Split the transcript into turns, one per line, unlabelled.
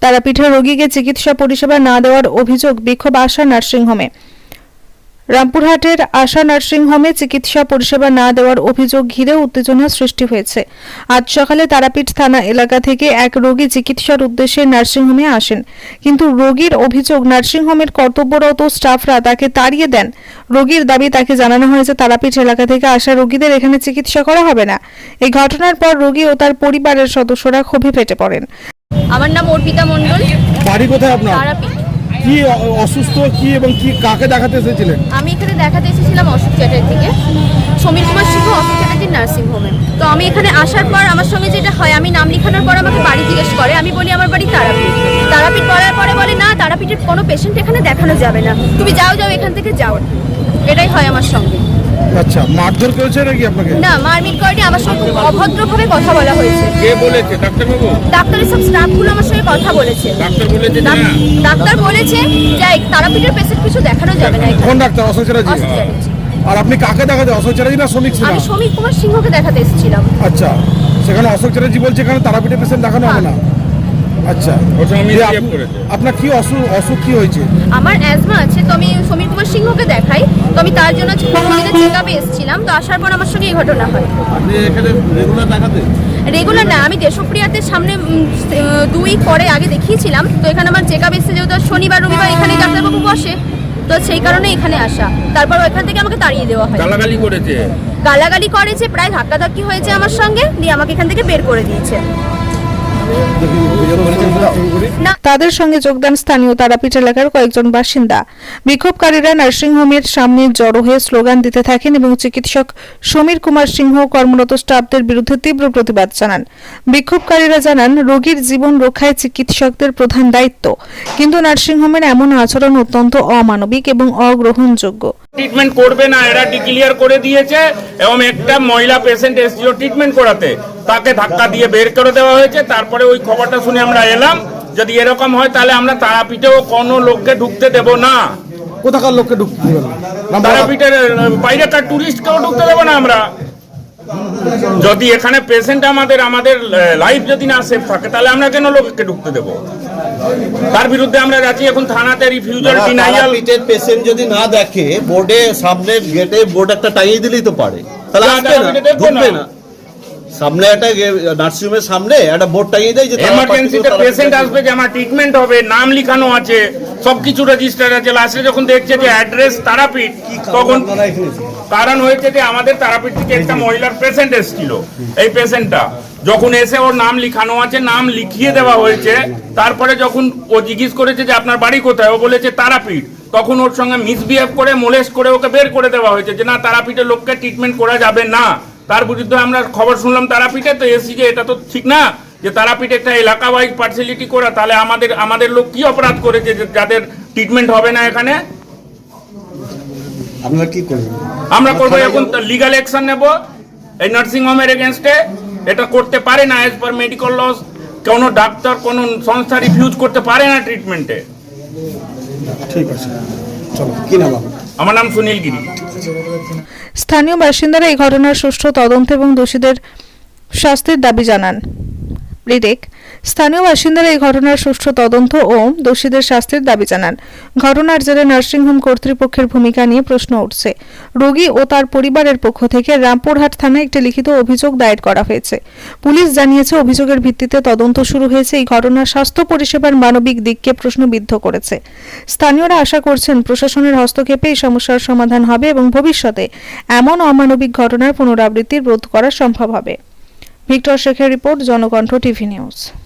তারাপীঠে রোগীকে চিকিৎসা পরিষেবা না দেওয়ার অভিযোগ, বিক্ষোভ আশা নার্সিংহোমে। রামপুরহাটের আশা নার্সিংহোমে চিকিৎসা পরিষেবা না দেওয়ার অভিযোগ ঘিরে উত্তেজনা সৃষ্টি হয়েছে। আজ সকালে তারাপীঠ থানা এলাকা থেকে এক রোগী চিকিৎসার উদ্দেশ্যে নার্সিংহোমে আসেন, কিন্তু রোগীর অভিযোগ নার্সিংহোমের কর্তব্যরত স্টাফরা তাকে তাড়িয়ে দেন। রোগীর দাবি, তাকে জানানো হয়েছে তারাপীঠ এলাকা থেকে আসা রোগীদের এখানে চিকিৎসা করা হবে না। এই ঘটনার পর রোগী ও তার পরিবারের সদস্যরা ক্ষোভে ফেটে পড়েন।
আমার নাম অর্পিতা মণ্ডল।
বাড়ি কোথায় আপনার?
তারাপীঠ।
কি অসুস্থ কি এবং কি কাকে দেখাতে এসেছিলেন?
আমি এখানে দেখাতে এসেছিলাম অশোক চ্যাটার্জিকে, সমীর কুমার সিংহ অশোক চ্যাটার্জির নার্সিং হোমে। তো আমি এখানে আসার পর আমার সঙ্গে যেটা হয়, আমি নাম লেখানোর পর আমাকে বাড়ি জিজ্ঞেস করে। আমি বলি আমার বাড়ি তারাপীঠ। তারাপীঠ বলার পরে বলে না, তারাপীঠের কোনো পেশেন্ট এখানে দেখানো যাবে না, তুমি যাও এখান থেকে যাও। এটাই হয় আমার সঙ্গে।
আচ্ছা, মারধর করেছে নাকি আপনাকে?
না, মারপিট করেনি, আমার সঙ্গে খুব অভদ্রভাবে কথা বলা হয়েছে।
কে বলেছে? ডাক্তারবাবু?
ডাক্তারের সব স্টাফগুলো আমার সঙ্গে কথা বলেছে।
ডাক্তার বলেছে না?
ডাক্তার বলেছে যে তারাপীঠের পেশেন্ট কিছু দেখানো যাবে না।
কোন ডাক্তার? অশোক চ্যাটার্জি। আর আপনি কাকে দেখাতে? অশোক চ্যাটার্জি না সমীর সিনহা?
আমি সমীর কুমার সিংহকে দেখাতে এসেছিলাম।
আচ্ছা, সেখানে অশোক চ্যাটার্জি বলছে এখানে তারাপীঠের পেশেন্ট দেখানো হবে না। আচ্ছা, আপনার কি অসুখ কি হয়েছে?
আমার অ্যাজমা আছে, তো আমি সমীর কুমার সিংহকে দেখাই। তো আমি তার জন্য চেকআপে এসেছিলাম। তো আসার পর আমার সঙ্গে এই ঘটনা হয়।
আপনি এখানে রেগুলার দেখাতে?
রেগুলার না, আমি দেশপ্রিয়াতে সামনে 2 উইক পরে আগে দেখিয়েছিলাম। তো এখানে আমার চেকআপ এসেছে, যেহেতু শনিবার রবিবার এখানে ডাক্তারবাবু বসে, তো সেই কারণে এখানে আসা। তারপর ওইখান থেকে আমাকে তাড়িয়ে দেওয়া হয়। গালাগালি করেছে, প্রায় ধাক্কাধাক্কি হয়েছে আমার সঙ্গে, দিয়ে আমাকে এখান থেকে বের করে দিয়েছে।
তাদের সঙ্গে যোগদান স্থানীয় তারাপীঠ এলাকার কয়েকজন বাসিন্দা। বিক্ষোভকারীরা নার্সিংহোমের সামনে জড়ো হয়ে স্লোগান দিতে থাকেন এবং চিকিৎসক সমীর কুমার সিংহ কর্মরত স্টাফদের বিরুদ্ধে তীব্র প্রতিবাদ জানান। বিক্ষোভকারীরা জানান, রোগীর জীবন রক্ষায় চিকিৎসকদের প্রধান দায়িত্ব, কিন্তু নার্সিংহোমের এমন আচরণ অত্যন্ত অমানবিক এবং অগ্রহণযোগ্য।
ট্রিটমেন্ট করবে না, এরা ডিক্লিয়ার করে দিয়েছে। এবং একটা মহিলা পেশেন্ট এসেছিল ট্রিটমেন্ট করাতে, তাকে ধাক্কা দিয়ে বের করে দেওয়া হয়েছে। তারপরে ওই খবরটা শুনে আমরা এলাম, যদি এরকম হয় তাহলে আমরা তারাপীঠেও কোনো লোককে ঢুকতে দেব না।
কোথাকার লোককে ঢুকতে দেবেন না?
তারাপীঠের বাইরেকার টুরিস্টকেও ঢুকতে দেবো না আমরা। যদি এখানে পেশেন্ট আমাদের লাইফ যদি না সেফ থাকে, তাহলে আমরা কেন লোককে ঢুকতে দেব? তার বিরুদ্ধে আমরা যাচ্ছি এখন থানাতে রিফিউজাল ডিনাইয়াল।
পেশেন্ট যদি না দেখে, বোর্ডে সামনে গেটে বোর্ড একটা টাঙিয়ে দিলেই তো পারে, তাহলে আসবে না, ঢুকবে না। সামনে একটা নার্সিংহোমের সামনে একটা বোর্ড টাঙিয়ে দেয় যে
এমার্জেন্সিতে পেশেন্ট আসবে, যে আমার ট্রিটমেন্ট হবে, নাম লিখানো আছে, সবকিছু রেজিস্টার আছে। লাস্টে যখন দেখছে যে অ্যাড্রেস তারাপীঠ, তখন কারণ হয়েছে যে আমাদের তারাপীঠ থেকে একটা মহিলার পেশেন্ট এসেছিল। এই পেশেন্টটা যখন এসে ওর নাম লিখানো আছে, নাম লিখিয়ে দেওয়া হয়েছে। তারপরে যখন ও জিজ্ঞেস করেছে যে আপনার বাড়ি কোথায়, ও বলেছে তারাপীঠ, তখন ওর সঙ্গে মিসবিহেভ করে মোলেস্ট করে ওকে বের করে দেওয়া হয়েছে, যে না, তারাপীঠের লোককে ট্রিটমেন্ট করা যাবে না। তার বিরুদ্ধে আমরা খবর শুনলাম তারাপীঠে, তো এসি যে এটা তো ঠিক না, যে তারাপীঠে একটা এলাকা ওয়াইজ পার্সিয়ালিটি করা। তাহলে আমাদের লোক কি অপরাধ করেছে যাদের ট্রিটমেন্ট হবে না এখানে?
আপনারা কি করবেন?
আমরা করবো এখন লিগাল অ্যাকশন নেব এই নার্সিং হোমের এগেনস্টে। এটা করতে পারে না, অ্যাজ পার মেডিকেল লস। কোনো ডাক্তার, কোনো সংস্থা রিফিউজ করতে পারে না ট্রিটমেন্টে।
ঠিক আছে, চলো। কি নাম আপনার?
আমার নাম সুনীল গিরি।
স্থানীয় বাসিন্দারা এই ঘটনার সুষ্ঠু তদন্ত এবং দোষীদের শাস্তির দাবি জানান। স্থানীয় বাসিন্দারা এই ঘটনার সুষ্ঠু তদন্ত ও দোষীদের শাস্তির দাবি জানান। ঘটনার জেরে নার্সিংহোম কর্তৃপক্ষের ভূমিকা নিয়ে প্রশ্ন উঠছে। রোগী ও তার পরিবারের পক্ষ থেকে রামপুরহাট থানায় একটি লিখিত অভিযোগ দায়ের করা হয়েছে। পুলিশ জানিয়েছে, অভিযোগের ভিত্তিতে তদন্ত শুরু হয়েছে। এই ঘটনা স্বাস্থ্য পরিষেবার মানবিক দিককে প্রশ্নবিদ্ধ করেছে। স্থানীয়রা আশা করছেন, প্রশাসনের হস্তক্ষেপে এই সমস্যার সমাধান হবে এবং ভবিষ্যতে এমন অমানবিক ঘটনার পুনরাবৃত্তি রোধ করা সম্ভব হবে। ভিক্টর শেখের রিপোর্ট, জনকণ্ঠ টিভি নিউজ।